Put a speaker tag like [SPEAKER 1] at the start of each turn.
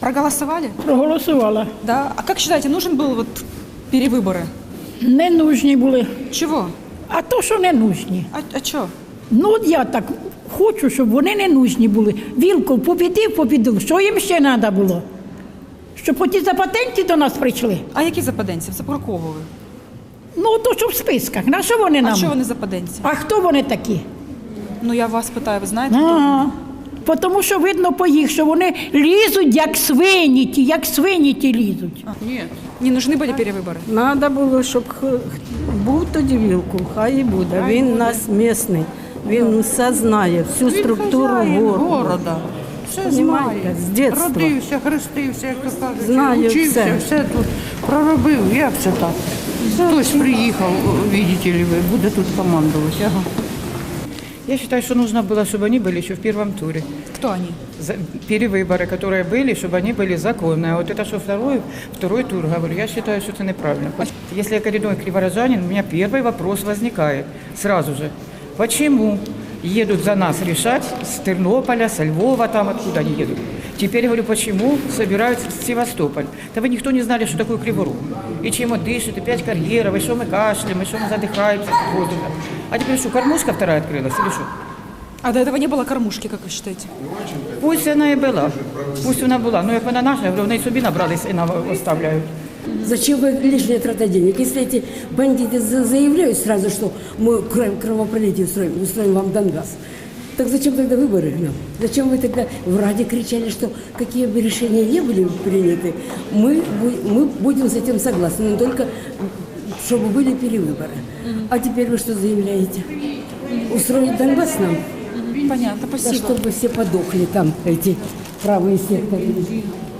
[SPEAKER 1] Проголосовали?
[SPEAKER 2] Проголосувала.
[SPEAKER 1] Да. А как считаете, нужен был вот перевыборы?
[SPEAKER 2] Не нужні були.
[SPEAKER 1] Чего?
[SPEAKER 2] А то, що не нужні.
[SPEAKER 1] А чё?
[SPEAKER 2] Ну, от я так хочу, щоб вони не нужні були. Вілков побідив. Що їм ще треба було? Щоб оті запатенті до нас прийшли.
[SPEAKER 1] А які западенці? Це про кого ви?
[SPEAKER 2] Ну, то що в списках. На що вони нам?
[SPEAKER 1] А що вони западенці?
[SPEAKER 2] А хто вони такі?
[SPEAKER 1] Ну я вас питаю, ви знаєте?
[SPEAKER 2] Ага. Тому що видно по їх, що вони лізуть, як свині ті лізуть.
[SPEAKER 1] Не нужны были перевыборы?
[SPEAKER 3] Надо було, щоб був тоді Вілкул, хай і буде. Він у нас місний, він все знає, всю структуру города.
[SPEAKER 4] Все
[SPEAKER 3] Понімаєте,
[SPEAKER 4] знає.
[SPEAKER 3] з дитинства.
[SPEAKER 4] Родився, хрестився, як то кажуть.
[SPEAKER 3] Знає
[SPEAKER 4] Учився,
[SPEAKER 3] все.
[SPEAKER 4] тут проробив. Як це так? Хтось приїхав, видите ли ви, буде тут командувати. Ага.
[SPEAKER 5] Я считаю, что нужно было, чтобы они были еще в первом туре.
[SPEAKER 1] Кто они?
[SPEAKER 5] Перевыборы, которые были, чтобы они были законные. А вот это, что второй тур, говорю, я считаю, что это неправильно. Если я коренной криворожанин, у меня первый вопрос возникает сразу же. Почему едут за нас решать с Тернополя, со Львова, там откуда они едут? Теперь говорю, почему собираются в Севастополь? Да вы никто не знали, что такое Криворог. И чем он дышит, и 5 карьеров, и что мы кашляем, и что мы задыхаемся от воздуха. А теперь что, кормушка вторая открылась или что?
[SPEAKER 1] А до этого не было кормушки, как вы считаете?
[SPEAKER 5] Пусть вона і була, пусть вона була. Ну як вона наша, я говорю, вони собі набрались і нам оставляють.
[SPEAKER 6] Зачем вы лишняя трата денег? Если эти бандиты заявляют сразу, что мы кровопролитие устроим вам Донбасс, так зачем тогда выборы нам? Зачем вы тогда в Раде кричали, что какие бы решения не были приняты, мы будем с этим согласны, но только чтобы были перевыборы. А теперь вы что заявляете? Устроить Донбасс нам?
[SPEAKER 1] Понятно,
[SPEAKER 6] Да
[SPEAKER 1] спасибо.
[SPEAKER 6] чтобы все подохли там, эти правые секторы.